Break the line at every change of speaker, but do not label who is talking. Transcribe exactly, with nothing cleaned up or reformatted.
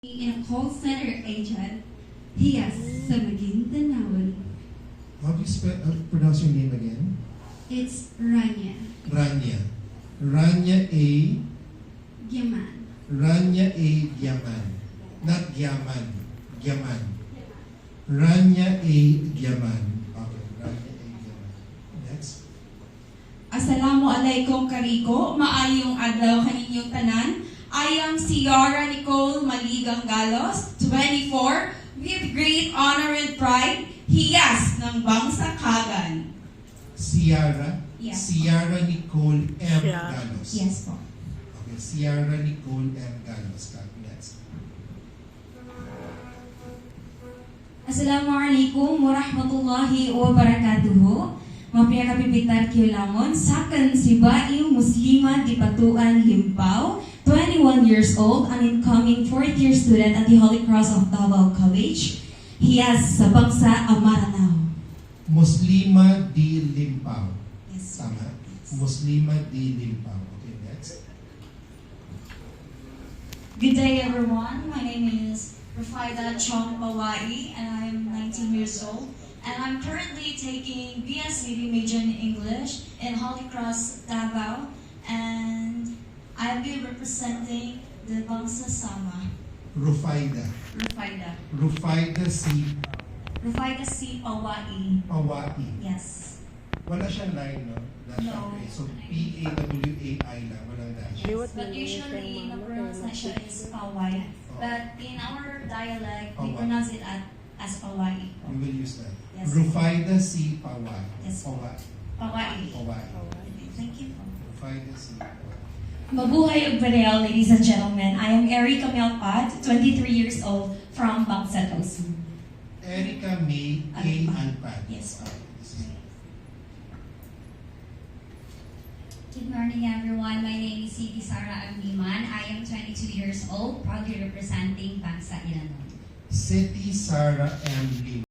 In a call center agent, he has sa Maguindanao.
How do you spell, uh, pronounce your name again?
It's Rania
Rania. Rania A.
Giaman.
Rania A. Giaman. Not Giaman. Giaman. Rania A. Giaman. Okay, Rania A. Giaman. Next.
Assalamualaikum kariko, maayong adlaw kaninyong tanan. I am Ciara Nicole Maligang Galos, twenty-four, with great honor and pride, hiyas ng Bangsa-Kagan.
Ciara.
Yes.
Ciara Nicole M.
Yeah.
Galos.
Yes po.
Okay, Ciara Nicole M. Galos. Next.
Assalamualaikum warahmatullahi wabarakatuh. Mapia kapipitar kiulamon, sakan si Baing Muslima di Patuan Limpao, twenty-one years old, an incoming fourth year student at the Holy Cross of Davao College. Hiyas sa Bangsa Amaranao.
Muslima di Limpao.
Yes.
Tama? Muslima di Limpao. Okay, next.
Good day, everyone. My name is Rafaida Chong Mawai, and I am nineteen years old. And I'm currently taking B S C major in English in Holy Cross, Davao. And I'll be representing the Bangsa Sama.
Rufaida.
Rafaida.
Rufaida C.
Rafaida C. Pawai.
Pawai.
Yes.
Wala siyang line, no? Dash
No.
okay. So, P A W A I lang. Walang dash.
Yes. But usually, the pronunciation is Pawai. But in our dialect, we
Pawai.
pronounce it at, as Pawai.
We will use that.
Yes.
Rufaida C. Pawai.
Yes.
Pawai.
Pawai.
Pawai.
Thank you.
Rufaida C. Pawai.
Mabuhay ug Bareo, ladies and gentlemen. I am Erica Melpat, twenty-three years old, from Bangsa Tosu.
Erica May A. Alpad.
Yes.
Okay, this is-
Good morning, everyone. My name is Siti Sara Amliman. I am twenty-two years old, proudly representing Bangsa Ilanon.
Seti Sara M. Lim.